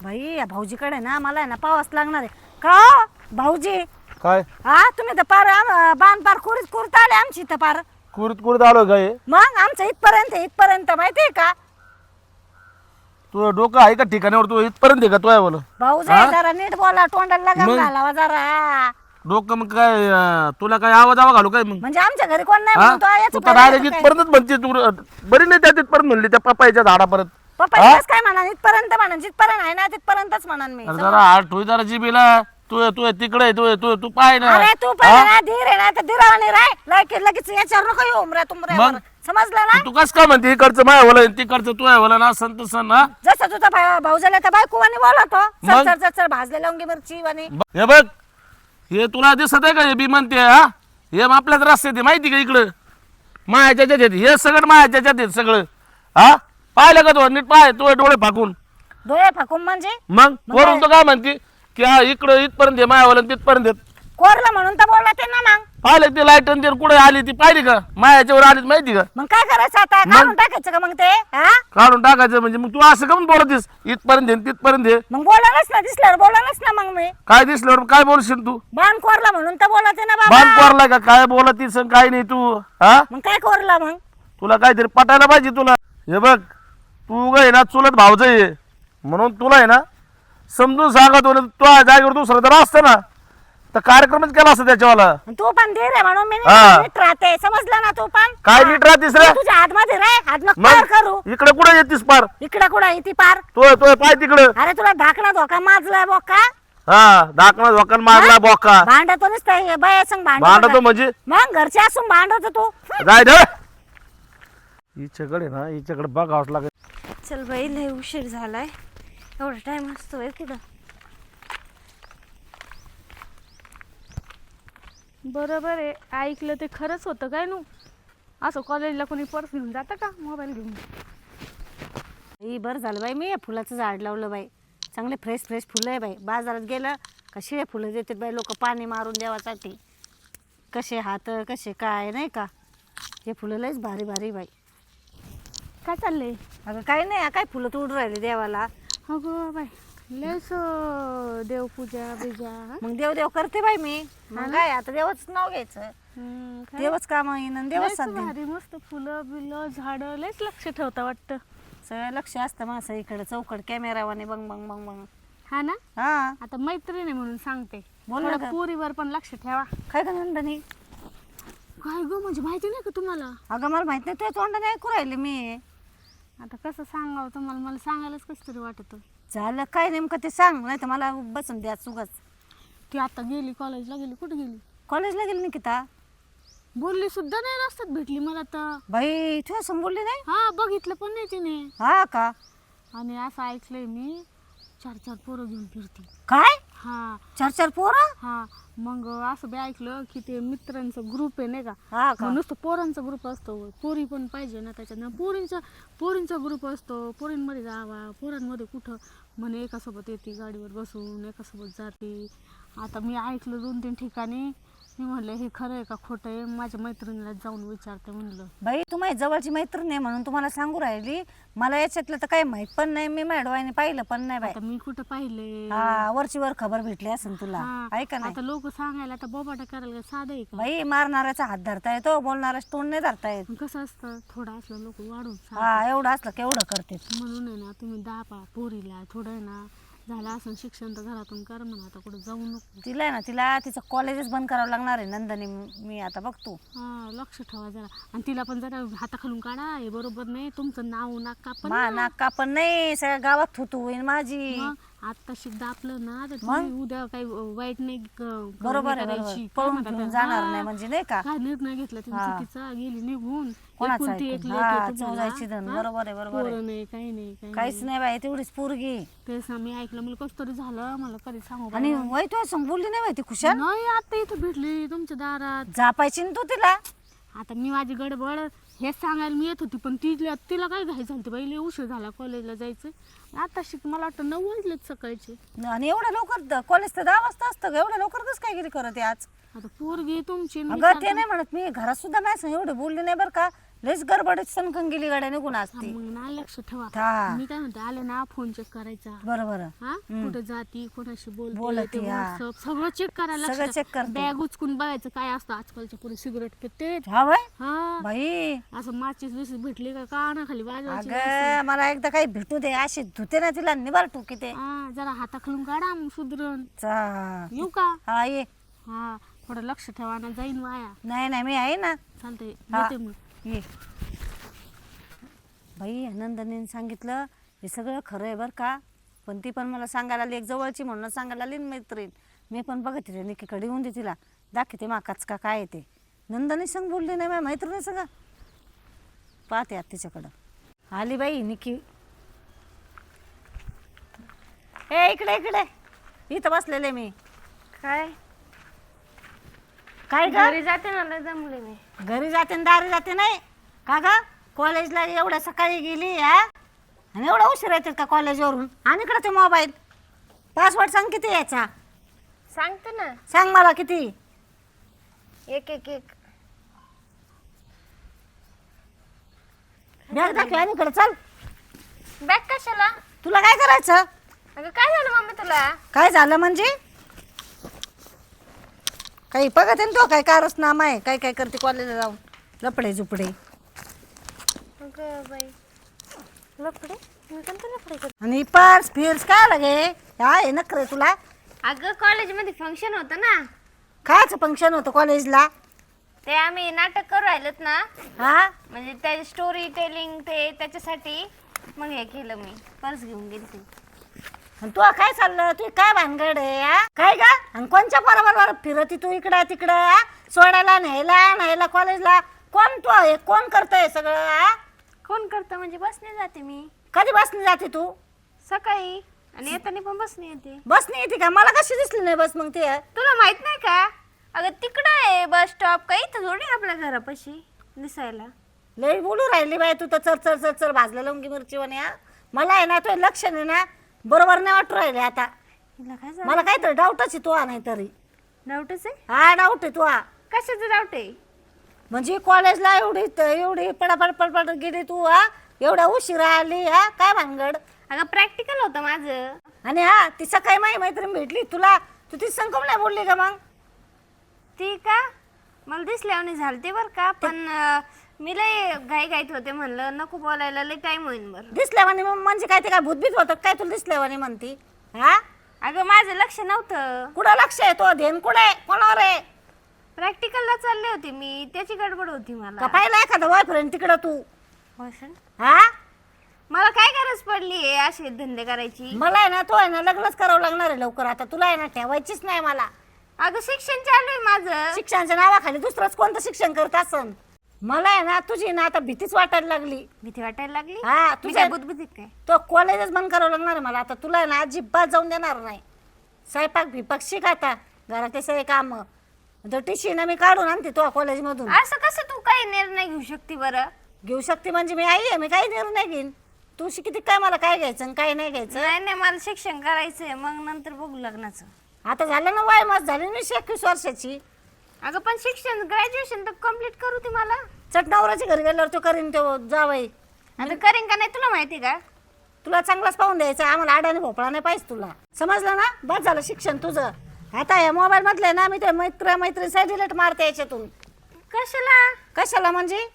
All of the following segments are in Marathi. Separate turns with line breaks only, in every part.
भाई या भाऊजीकडे ना मला आहे ना पावाच लागणार आहे का हो, भाऊजी
काय
हा तुम्ही तर पार बाण पार कुरीत आले आमची तर पार
कुरत आलो काय
मग आमचं इथपर्यंत माहितीये का
तू डोकं आहे का ठिकाणावर तू इथपर्यंत आहे का तू बोल
भाऊजी जरा नीट बोला तोंडाला लगाम
मग?
घालावा जरा
डोकं मग काय तुला काय आवाज घालू काय मग
म्हणजे आमच्या घरी कोण नाही
हा?
म्हणून तो याचं
तू तर
पाहिलं
डायरेक्ट
का काय?
इथपर्यंतच म्हणते तू बरी नाही त्या तिथपर्यंत म्हणली त्या पप्पाच्या झाडापर्यंत
पप्पा
हा?
इथंच काय म्हणा इथपर्यंत म्हणा जिथपर्यंत आहे ना तिथपर्यंतच म्हणा मी
अरे जरा हात ठोई जरा जिबीला तू तू तिकडे तू पाय ना
अरे तू पण आहे ना धीर आहे ना तर धीरावाने राय लगेच याच्यावर नको येऊ उमऱ्या तुमऱ्यावर
मग?
समजलं ना
तू कस काय म्हणते इकडचं माय बोला तिकडचं तू आहे बोला ना संत सण ना
जसं तुझा भाऊ झाला तर बायकोवानी बोलतो
मग?
चर भाजलेल्या लवंगी मिरची वाणी
हे बघ हे तुला दिसत आहे का हे बी म्हणते हा हे आपल्याच रस्त्यात आहे माहिती का इकडं मायाच्या ज्याच्यात हे सगळं मायाच्या ज्याच्यात सगळं हा पाहिलं का तू नीट पाय तू डोळे फाकून
डोळे फाकून म्हणजे
मग वरून तो काय म्हणते की हा इकडं इथपर्यंत आहे मायावाला तिथपर्यंत आहे.
कोरला म्हणून तर बोलला ते ना मग
पाहिलं ते लाईट आणि कुठे आली ती पाहिली का मायाच्यावर आली माहिती का
मग काय करायचं आता काढून टाकायचं का मग ते हा
काढून टाकायचं म्हणजे मग तू असं का बोलतीस इथपर्यंत आहे, तिथपर्यंत आहे.
मग बोलानच ना दिसल्यावर बोलानच ना मग मी
काय दिसल्यावर काय बोलशील तू
बाण कोरला म्हणून तर बोलते ना
बांध
बाबा
कोरलाय का काय बोलतीस आणि काय नाही तू हा
मग काय कोरला मग
तुला काहीतरी पटायला पाहिजे तुला हे बघ तू काय ना चुलत भावच आहे म्हणून तुला आहे ना समजून सांगत होतं तू जागेवर दुसरं तर असतं ना तर कार्यक्रमच केला असता त्याच्यावाला
तू पण धीर आहे म्हणून मी
हा.
नीट राहते समजलं ना तू पण
काय नीट राहतीस रे
तू तुझ्या हातमध्ये रे हात नको पार करू
मग इकडे कुठे येतीस पार
इकडं कुठं येते पार
तो पाय तिकडं
अरे तुला धाकणा धोका माजलाय बोका
हा दाखना धोकान मारला बोका
भांडतो नुसतं बाया संग
भांडतो म्हणजे
मग घरचे असून भांडवतो तू
जाय दे हिच्याकडे ना हिच्याकडे बघावंच लागेल
चल बाई लय उशीर झालाय एवढा टाइम असतोय कुठं
बरोबर आहे ऐकलं ते खरंच होतं काय नू असं कॉलेजला कोणी पर्स घेऊन जातं का मोबाईल घेऊन
बरं झालं बाई मी या फुलाचं झाड लावलं बाई चांगले फ्रेश फुलं आहे बाई बाजारात गेलं का शिळे फुलं देतात बाई लोक पाणी मारून देवासाठी कसे हात कसे काय नाही का हे फुलं लयच भारी बाई
काय चाललंय
अगं काही नाही काय फुलं तोडून राहिले देवाला
अगं बाय लयच देवपूजा बिजा
मग देव करते बाई मी मग काय आता देवाच नाव घ्यायचं देवच काम येईन आणि देवच साथ देईन.
भारी मस्त फुलं बिलं झाडं लयच लक्ष ठेवता वाटतं
सगळं लक्ष असतं माझं इकडे चौकड कॅमेरावाने बंग बंग बंग बंग
हा ना
हा
आता मैत्रीण आहे म्हणून सांगते
बोल ना
थोडं
गं.
पोरीवर पण लक्ष ठेवा
काय का नंदनी
काय गं म्हणजे माहिती नाही का तुम्हाला
अगं मला माहित नाही तुझ्या तोंडाने ऐकू राहिले मी
आता कसं सांगावं तुम्हाला मला सांगायलाच कसं तरी वाटतं
झालं काय नेमकं ते सांग नाही तर मला बसून द्या चुकच
ती आता गेली कॉलेजला गेली कुठे गेली
कॉलेजला गेली निकिता
बोलली सुद्धा नाही रस्त्यात भेटली मला तर
बाई तुझ्या समोर बोलली नाही
हा बघितलं पण नाही तिने
हा का
आणि असं ऐकलंय मी 4-4 पोरं घेऊन फिरते
काय
हा
4 पोरं
हा मग असं बी ऐकलं की ते मित्रांचा ग्रुप आहे नाही का
हा का
मग नुसतं पोरांचा ग्रुप असतो पोरी पण पाहिजे ना त्याच्यात पोरींचा ग्रुप असतो पोरींमध्ये जावा पोरांमध्ये कुठं म्हणे एकासोबत येते गाडीवर बसून एकासोबत जाते आता मी ऐकलं 2-3 ठिकाणी मी म्हणलं हे खरं आहे का खोटं आहे माझ्या मैत्रिणीला जाऊन विचारते म्हणलं
बाई तू माझी जवळची मैत्रीण आहे म्हणून तुम्हाला सांगू राहिली मला याच्यातलं तर काही माहित पण नाही मी माझ्या डोळ्याने पाहिलं पण नाही बाई
आता मी कुठं पाहिले
हा वरची वर खबर भेटली असेल तुला
हा,
ऐका नाही
आता लोक सांगायला आता बोबाटा करायला का साधं आहे का
बाई मारणाऱ्याचा हात धरता येतो बोलणाऱ्याच तोंड नाही धरता येत
मग कसं असतं थोडं असलं लोक वाढून सांगतात.
हा एवढं असलं केवढं करते
म्हणून आहे ना तुम्ही 10 पोरीला थोडं आहे ना झालं असं शिक्षण तर घरातून कर म्हणा आता कुठं जाऊ नको
तिला आहे ना तिला तिचं कॉलेजच बंद करावं लागणार आहे नंदनी मी आता बघतो
हा लक्ष ठेवा जरा आणि तिला पण जरा हाताखालून काढा हे बरोबर नाही तुमचं नाव नाका पण
मा नाका पण नाही सगळ्या गावात थुतू होईल माझी
आता शिकदा आपलं ना तर
मग?
तुम्ही उद्या काही वाईट नाही
बरोबर आहे बरोबर पळून घेऊन जाणार नाही म्हणजे नाही का
काय निर्णय घेतला तुम्ही
हा.
चुकीचा गेली निघून
कोणाचं
एकुलती एक
ऐकून?
लेक
हा,
आहे तुम्हाला.
चौदायची धन.
हा?
बरोबर आहे, बरोबर आहे.
पोरं नाही काही नाही काही
काहीच
नाही.
नाही बाई तेवढीच पोरगी
तेच ना मी ऐकलं मला कसं तरी झालं मला कधी सांगू
आणि
बरं.
वय तुझ्या संग बोलली नाही बाई ती खुशाल
नाही आता इथं भेटली तुमच्या दारात
जापायची ना तू तिला
आता मी माझी गडबड हेच सांगायला मी येत होती पण तिला काय घाई झाली बाई लय उशीर झाला कॉलेजला जायचं आता शिक मला वाटतं 9 वाजलेत सकाळचे
आणि एवढ्या लवकर कॉलेज तर 10 वाजता असतं ग, एवढ्या लवकर कसं काय गेली करत आहे आज
आता पोरगी तुमची
अगं ते नाही म्हणत मी घरात सुद्धा नाही सांग एवढी बोलली नाही बरं का लयच गडबडीत सनकन गेली गाड्या निघून असते.
मग ना लक्ष ठेवा.
हा
मी काय म्हणते आले ना फोन चेक करायचा.
बरोबर
हा कुठे जाती कोणाशी बोलते
बोलते,
ते
हा.
WhatsApp सगळं चेक करायला
सगळं check करते.
बॅग उचकून बघायचं काय असतं. आजकालच्या पुढे सिगरेट पिते.
हा बाई
हा
बाई
असं माचीस बिसीस भेटली का काना खाली वाजवायची.
अगं मला एकदा काही भेटू दे अशी धुते ना तिला निबार टोकी ते
हा जरा हाताखालून काढा मग सुधरण.
चा-
येऊ का?
हा ये
हा थोडं लक्ष ठेवा ना जाईन वाया.
नाही नाही मी आहे ना.
चालतंय
हा.
येते मग.
ये बाई नंदनीने सांगितलं हे सगळं खरं आहे बरं का. पण ती पण मला सांगायला आली एक जवळची म्हणून सांगायला आली ना मैत्रीण. मी पण बघते रे निकीकडे येऊन दे तिला दाखवते माकाच का काय ते. नंदनी संग बोलली नाही माझ्या मैत्रिणी सगळं पाहते आता तिच्याकडं. आली बाई निकी. ए इकडे इकडे इथं बसलेले मी.
काय
काय ग
घरी जाते ना लय दमले मी.
घरी जाते न दारी जाते नाही का ग. कॉलेजला एवढ्या सकाळी गेली हा आणि एवढा उशीर येतात का कॉलेजवरून. आणि इकडे ते मोबाईल पासवर्ड सांग किती यायचा.
सांगते ना
सांग मला किती.
एक एक एक.
बॅग दाखव आणि इकडे चल.
बॅग कशाला?
तुला काय करायचं.
अगं काय झालं मम्मी तुला?
काय झालं म्हणजे काही बघत आहे ना तो काय कारस्थाना आहे काय काय करते कॉलेजला जाऊन लपडे झुपडे.
अगं बाई लपडे? मी कोणते लपडे करते?
आणि पर्स फिर्स काय लागे हा हे नखरे तुला.
अगं कॉलेजमध्ये फंक्शन होतं ना.
कायचं फंक्शन होतं कॉलेजला.
ते आम्ही नाटक करू राहिलोत ना.
हा
म्हणजे त्या स्टोरी टेलिंग ते त्याच्यासाठी मग हे केलं मी पर्स घेऊन गेली ती.
आणि तू काय चाललं तू काय भानगड आहे हा? काय का आणि कोणच्या बरोबर फिरती तू इकडं तिकडं हा? सोडायला न्यायला कॉलेजला कोण तू हे कोण करतंय सगळं हा?
कोण करतं म्हणजे बसने जाते मी
कधी बसने जाते तू.
सकाळी आणि येताना पण बसने येते.
बसने येते का मला कशी दिसली नाही बस मग ते.
तुला माहित नाही का? अगं तिकडं आहे बस स्टॉप काही इथं जोडी आपल्या घरापाशी दिसायला.
लई बोलू राहिली बाई तू तर चर चर चर भाजलं लवंगी मिरची म्हणे हा. मला आहे ना तो लक्ष नाही ना बरोबर नाही वाटू राहिले आता.
हिला काय झालं?
मला काहीतरी डाऊटच आहे तू नाही तरी.
डाऊटच आहे?
हा डाऊट आहे तू हा.
कशाचं डाऊट आहे?
म्हणजे कॉलेजला एवढी पडापड पडपड गेली तू हा एवढ्या उशिरा आली हा काय भानगड.
अगं प्रॅक्टिकल होतं माझं.
आणि हा ती सकाळी माझी मैत्रीण भेटली तुला तू ती संकम नाही बोलली का मग.
ती का मला दिसल्यावानी झालते बरं का पण मी लय घाईत होते म्हणलं नको बोलायला लय टाइम होईल बरं.
दिसल्यावानी म्हणजे काय ते काय भूतभीत होतं काय तुला दिसल्यावानी म्हणती हा.
अगं माझं लक्ष नव्हतं.
कुठं लक्ष आहे तो ध्येन कुठे कोणावर आहे.
प्रॅक्टिकलला चालले होते मी त्याची गडबड होती
का
मला.
पाहिला एखादा बॉयफ्रेंड तिकडं तू
बॉयफ्रेंड?
हा.
मला काय गरज पडली आहे असे धंदे करायची?
मला आहे ना तो आहे ना लग्नच करावं लागणार आहे लवकर आता तुला आहे ना ठेवायचीच नाही मला.
अगं शिक्षण चालू आहे माझं.
शिक्षणाच्या नावाखाली दुसरंच कोणतं शिक्षण करत असन. मला आहे ना तुझी ना आता भीतीच वाटायला लागली.
भीती वाटायला लागली?
हा
मी
तुझ्या
काय बुद्धबुद्धीत काय?
तो कॉलेजच बंद करावं लागणार आहे मला आता तुला आहे ना अजिबात जाऊन देणार नाही. स्वयंपाक भिपाक शिक आता घरातले सगळे काम टीशी ना मी काढून आणते तो कॉलेजमधून.
असं कसं तू काही निर्णय घेऊ शकते बरं?
घेऊ शकते म्हणजे मी आई आहे मी काही निर्णय घेईन. तू शिकते काय मला काय घ्यायचं आणि काय नाही घ्यायचं.
नाही नाही मला शिक्षण करायचंय मग नंतर बघू लग्नाचं.
आता झालं ना वय मस्त झाली मी 21 वर्षाची.
अगं पण शिक्षण ग्रॅज्युएशन तर कम्प्लीट करू ती मला.
चटनावराची घरी गेल्यावर तो करीन तो जावई.
आता करेन का नाही तुला माहिती का?
तुला चांगलाच पाहून द्यायचा आम्हाला आडाने भोपळा नाही पाहिजे तुला समजलं ना. बस झालं शिक्षण तुझं. आता या मोबाईल मधले ना मी ते मैत्रीण डिलीट मारते याच्यातून.
कशाला?
कशाला म्हणजे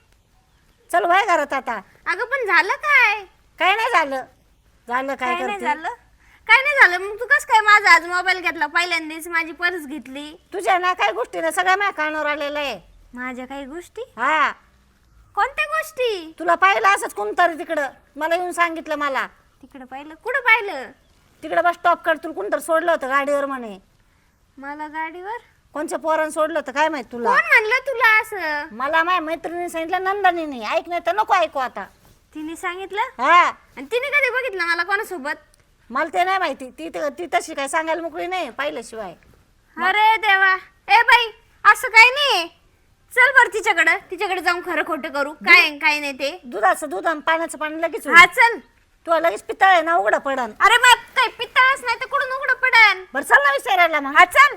चल वय घरात आता.
अगं पण झालं काय?
काय नाही झालं. झालं काय
काय नाही
करते
झालं? काय नाही झालं मग तू कस काय माझा आज मोबाईल घेतला? पहिल्यांदाच माझी पर्स घेतली.
तुझ्या ना काय गोष्टी ना सगळ्या माझ्या कानावर आलेलं आहे.
माझ्या काही गोष्टी?
हा
कोणत्या गोष्टी?
तुला पाहिलं असंच कोणतरी तिकडं मला येऊन सांगितलं मला.
तिकडं पाहिलं? कुठं पाहिलं?
तिकडं बस स्टॉप कर तुला कोणतरी सोडलं होतं गाडीवर म्हणे.
मला गाडीवर?
कोणच्या पोरानं सोडलं होतं काय माहित तुला.
कोण म्हणलं तुला असं?
मला माझ्या मैत्रिणीने सांगितलं नंदनीने. ऐक नाही तर नको ऐकू आता.
तिने सांगितलं?
हा
आणि तिने कधी बघितलं मला कोणासोबत?
मला ते नाही माहिती. ती तशी काय सांगायला मोकळी नाही पाहिल्याशिवाय.
अरे देवा. ए बाई असं काही नाही. चल बर तिच्याकडे जाऊन खरं खोटं करू काय आहे, काय नाही ते.
दुधाचं दूध आणि पाण्याचं पाणी लगेच
हा चल.
तू लगेच पितळ आहे ना उघडं पडन.
अरे मग काही पित्ताळच नाही तर कुठून उघडं पडन.
बरं चल ना विचारायला मग.
हा चल.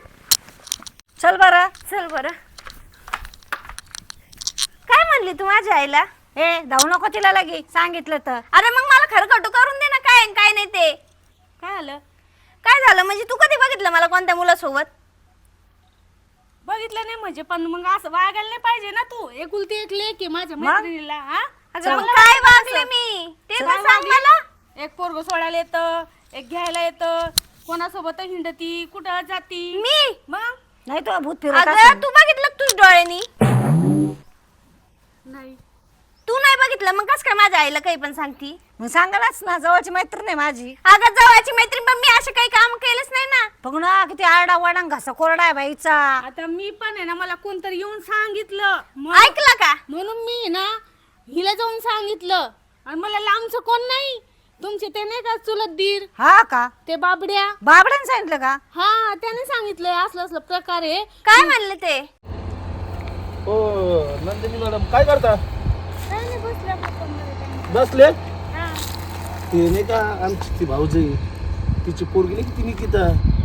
चल बरं.
चल बरं. काय म्हणली तू माझ्या आईला?
ए धावू नको तिला लगी सांगितलं तर.
अरे मग मला खरकटू करून दे ना, काय आहे, काय नाही ते.
काय आलं?
काय झालं म्हणजे तू कधी बघितलं मला कोणत्या मुलासोबत?
बघितलं नाही म्हणजे पण मग असं वागायला नाही पाहिजे ना तू. एकुलती एक लेक आहे माझ्या मैत्रिणीला. हा
अगं मग काय वागले मी ते तर सांग मला.
एक पोरग सोडायला येतं, एक घ्यायला येतं, कोणासोबत हिंडती, कुठं जाती.
मी
मग
नाही तो भूत फिरत
अगं
असेल.
तू बघितलं का तुझ्या डोळ्यांनी?
नाही.
तू नाही बघितलं मग कस काय माझ्या आईला काही पण सांगती?
मग सांगायलाच ना, जवळची मैत्रीण आहे माझी.
अगं जवळची मैत्रीण, पण मी असे काही काम केलंच नाही ना.
बघ ना किती आरडा वाडा घसा कोरडा आहे बाईचा.
आता मी पण आहे ना, मला कोणतरी येऊन सांगितलं
ऐकलं का?
म्हणून मी ना हिला जाऊन सांगितलं. आणि मला लांबचं कोण नाही, तुमचे ते नाही का चुलत दीर,
हा का?
ते बाबड्या,
बाबड्याने सांगितलं का?
हा त्याने सांगितलंय असलं असलं प्रकार आहे.
काय म्हणले ते?
हो नंदिनी मॅडम काय करता?
काय नाही, बसल्या गप्पांमध्ये काय.
बसले
हा.
ते नाही का आमची ती भाऊजी, तिची पोरगी नाही की ती निकिता,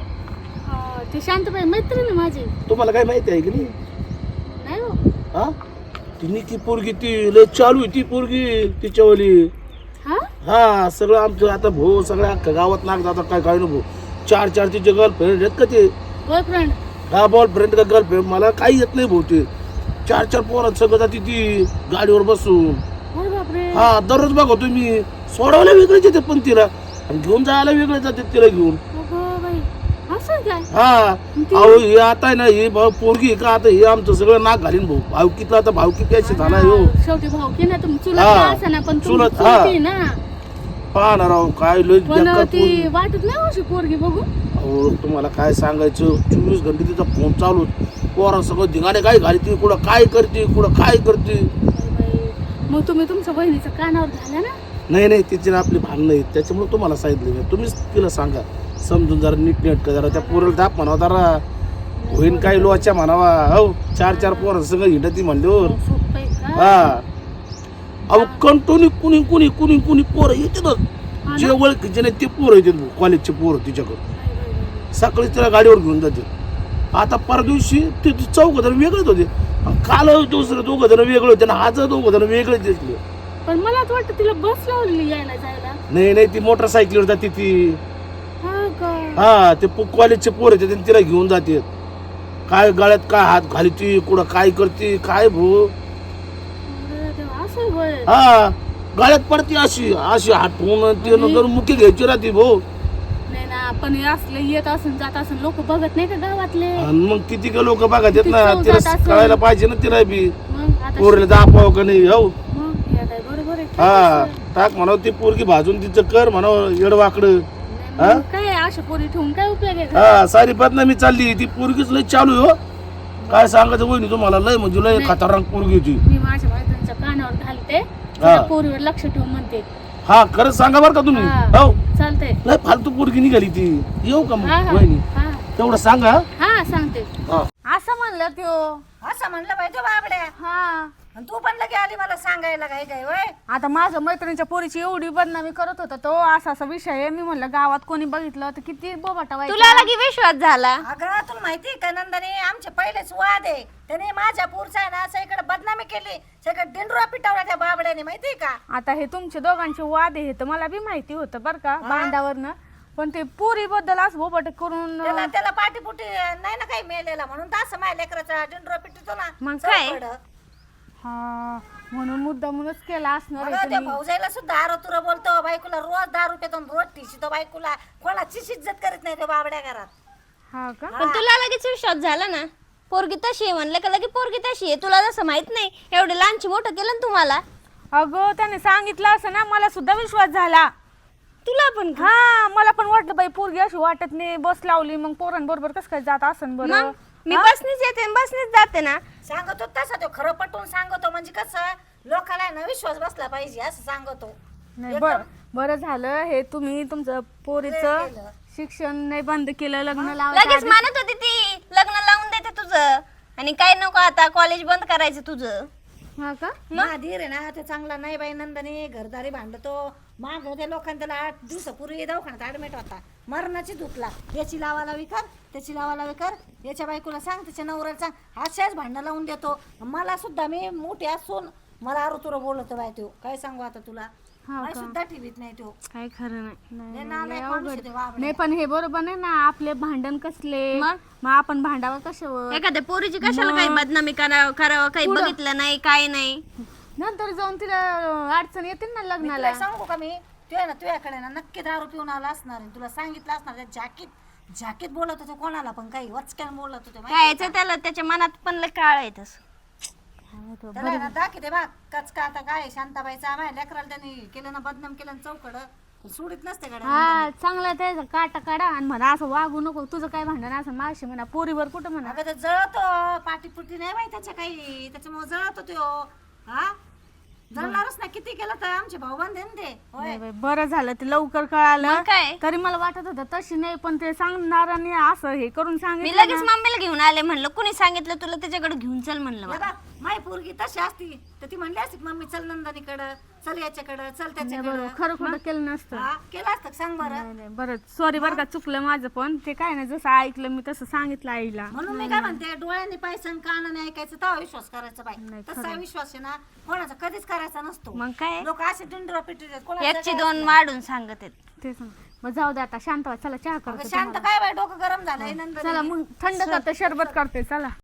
हा, ते शांतबाई मैत्रीण आहे माझी.
तुम्हाला काय माहिती आहे की नाही?
नाही हो.
हा ती निकी पोरगी ती लय चालू आहे ती पोरगी तिच्यावाली.
हा.
हा सगळं आमचं आता भाऊ सगळ्या अख्ख्या गावात नाक जातात काय काय नको. चार चार तिचे गर्लफ्रेंड आहेत का ते?
बॉयफ्रेंड.
हा बॉयफ्रेंड का गर्लफ्रेंड मला काही येत नाही भाऊ. ते चार चार पोरात सगळं जाते ती गाडीवर बसून.
अरे बापरे.
हा दररोज बघतो मी. सोडवायला वेगळेच येते पण तिला, आणि घेऊन जायला वेगळे जाते तिला घेऊन.
अगं बाई, असं काय?
हा अहो हे आता आहे ना ही पोरगी का आता हे आमचं सगळं नाक घालीन भाऊ. भावकीतला आता भावकी कशी झाला हो.
शेवटी भाऊ की ना तुम्ही चुलत
हा.
का असेना, पण तुम्ही
चुलत, हा.
चुलती ना.
पाहणार राव काय लय
पण
बेकार
ती
पोरगी.
वाटत नाही अशी पोरगी बघू.
अहो तुम्हाला काय सांगायचं, 24 घंटे तिचा फोन चालू. पोरा सगळं धिंगाणे काय घालते, कुठं काय करते, कुठं काय करते.
बाई, मग तुम्ही तुमच्या बहिणीचं कानावर घाला ना.
नाही नाही तिची ना आपली भांडणं आहेत, त्याच्यामुळे तुम्हाला सांगितलं मी. तुम्हीच तिला सांगा समजून जरा नीटनेटकं जरा त्या पोराला दाप म्हणावं जरा. होईन काही लोच्या म्हणावा. हो चार चार पोरं सगळं हिंडती म्हणल्यावर.
सोपं आहे का?
हा अहो कंटोनी कुणी कुणी कुणी कुणी पोरं येतात. जे ओळखीचे नाही ते पोरं येतात कॉलेजचे पोरं तिच्याकडं. सकाळी तिला गाडीवर घेऊन जाते. आता परदिवशी ते चौघ जण वेगळेच होते, काल दुसरं दोघं जण वेगळे होते, आणि आज दोघं जण वेगळेच दिसले.
पण मला असं वाटतं तिला बस लावलेली यायला जायला.
नाही नाही ती मोटरसायकलीवर जाते ती.
हा का?
हा ते कॉलेजचे पोर येते आणि तिला घेऊन जाते. काय गळ्यात काय हात घालती, कुठं काय करते काय भाऊ.
अरे देवा, असं आहे होय.
हा गळ्यात पडते अशी अशी हाटून ते नंतर मुख्य घ्यायची राहते भाऊ.
नाही ना, पण हे असलं येत असून जात असून लोक बघत नाही का गावातले.
आणि मग किती का लोक बघत येत ना,
किती
तिला
चौकात असं.
कळायला पाहिजे ना तिला बी.
मग आता
पोरीला दाखवावं का नाही. हो
मग हे काय बरोबर आहे.
हा टाक म्हणावं ती पोरगी भाजून तिचं कर म्हणावं येडवाकडं.
नाही, मग काय अशा पोरी ठेवून काय उपयोग आहे का?
हा सारी बदनामी चालली. ती पोरगीच लय चालू आहे हो. काय सांगायचं वहिनी तुम्हाला, लय म्हणजे लय खतरनाक पोरगी होती.
मी माझ्या मैत्रिणीच्या कानावर घालते,
हा.
त्या पोरीवर लक्ष ठेव म्हणते.
हा खरंच सांगा बरं का तुम्ही.
हा.
हो
चालतंय.
लय फालतू पोरगी निघाली ती. येऊ का
हा
मग
हा
वहिनी
हा
तेवढं सांगा.
हा सांगते.
हा.
असं म्हणलं त्यो.
असं म्हणलं पाहिजे बाबड्या.
हा.
आणि तू पण लगे आली मला सांगायला काय काय वय.
आता माझ्या मैत्रिणीच्या पोरीची एवढी बदनामी करत होता तो, असा विषय आहे. मी म्हणलं गावात कोणी बघितलं तर किती बोबाटा व्हायचा.
तुला लगी विश्वास झाला?
अगं तुला माहिती का नंदनी, आमचे पहिलेच वाद आहे. त्याने माझ्या पुरचा आहे ना सगळीकडे बदनामी केली, सगळं डिंडरा पिटवला त्या बाबड्याने, माहिती का?
आता हे तुमचे दोघांचे वाद आहे हे तर मला बी माहिती होतं बरं का बांधावरनं. पण ते पोरी बद्दल असं बोबाट करून
त्याला पाठीपुटी नाही ना काही मेलेला, म्हणून तर असं माझ्या लेकराचा डिंडरा पिटतो ना.
मग काय?
चौकडं.
हा म्हणून मुद्दामूनच केला असणार आहे
अगं त्या
तुम्ही.
भाऊजाईला सुद्धा आरोतुरा बोलतो, बायकोला रोज 10 रुपये देऊन रोज ठिशीतो बायकोला. कोणाचीच इज्जत करीत नाही त्या बाबड्या घरात.
हा का?
पण तुला लगेच विश्वास झाला ना? पोरगी तशी आहे म्हणलं का लगे पोरगी तशी आहे? तुला जसं माहित नाही एवढे लहानची मोठं केलं ना तुम्हाला.
अगं त्याने सांगितलं असं ना, मला सुद्धा विश्वास झाला.
तुला पण का?
हा मला पण वाटलं बाई पोरगी अशी वाटत नाही, बस लावली मग पोरांबरोबर कसं काय जात असन बरं.
मग मी बसनीच येते आणि बसनीच जाते ना.
सांगतो तसा तो खरं पटवून सांगतो, म्हणजे कसं लोकांना ना विश्वास बसला पाहिजे असं सांगतो.
नाही बरं झालं हे तुम्ही तुमचं पोरीचं
केलं.
शिक्षण नाही बंद केलं, लग्न
लगेच
लावायचं.
मानत होती ती लग्न लावून देते तुझं, आणि काय नको आता कॉलेज बंद करायचं तुझं.
हा का?
धीर आहे ना ते चांगला नाही बाई नंदनी, घरदारी भांडतो. माग त्या लोकांना त्याला 8 दिवसापूर्वी दवाखान्यात ऍडमिट होता, मरणाची धुकला. याची लावाला विकार, त्याची लावाला विकार, याच्या बायकोला सांग, त्याच्या नवऱ्याला सांग, अशाच भांडणं लावून देतो. मला सुद्धा मी मोठी असून मला आरू तुला बोलतो बाय तो, काय सांगू आता तुला,
हा
मला
का?
सुद्धा ठेवीत नाही तो.
काय खरं नाही.
लय
लय
नालायक
अवघड.
माणूस आहे ते बाबड्या.
नाही पण हे बरोबर नाही ना, आपले भांडण कसले,
मग?
मग आपण भांडावं कशावर.
एखाद्या पोरीची कशाला काही बदनामी करावं, काही बघितलं नाही काय नाही.
नंतर जाऊन तिला अडचण येते ना
मी
लग्नाला.
तुला सांगू का, मी तू आहे ना तुझ्याकडे ना नक्की दारू पिऊन आला असणार आहे. तुला सांगितलं असणार जॅकेट बोलत होतो कोणाला पण, काही वचक्यान बोलत होतो माहिती
काय याचं त्याला त्याच्या मनात पण लय काळ आहे तसं.
त्याला आहे ना दाखवते बा कचका. आता काय शांताबाईचा माझ्या लेकराला त्यांनी केलं ना, बदनाम केलं ना चौकड, सोडित नसते गाड्या.
हा चांगला त्याचा काटा काढा आणि म्हणा असं वागू नको, तुझं काय भांडण असं मागशी म्हणा, पोरीवर कुठं म्हणा.
अगं ते जळतो, पाटीपुटी नाही माहिती त्याच्या काही, त्याच्यामुळे जळतो तो. हा जळणारच ना, किती केलं तर आमचे भाऊ बंद ना ते. होय
नाही बाई, बरं झालं ते लवकर कळालं.
मग काय?
तरी मला वाटत होतं तशी नाही, पण ते सांगणाराने असं हे करून
मी
सांगितलं
लगेच मम्मीला घेऊन आले, म्हणलं कुणी सांगितलं तुला त्याच्याकडे घेऊन चल म्हणलं मला.
माय पोरगी तशी असती तर ती म्हणली असती मम्मी चल नंदनीकडं, चल याच्याकडं, चल
नाही,
त्याच्याकडं.
बरोबर खरं खोटं केलं नसतं.
हा, केलं असतं का सांग बरं.
नाही, नाही, बरं सॉरी बरं का, चुकलं माझं, पण ते काय नाही जसं ऐकलं मी तसं सांगितलं आईला.
म्हणून मी काय म्हणते, डोळ्यांनी पाहायचं आणि कानाने ऐकायचं, तेव्हा विश्वास करायचा बाई.
नाही,
तसा विश्वास आहे ना कोणाचा कधीच करायचा नसतो.
मग काय
लोक असे डिंडरा पिटतात,
एकची दोन वाढून सांगत आहेत.
ते सांग. मग जाऊ दे आता, शांत व्हा, चला चहा करते.
शांत काय बाई, डोकं गरम झालंय नंतर.
चला मग थंड करते, शरबत करते, चला.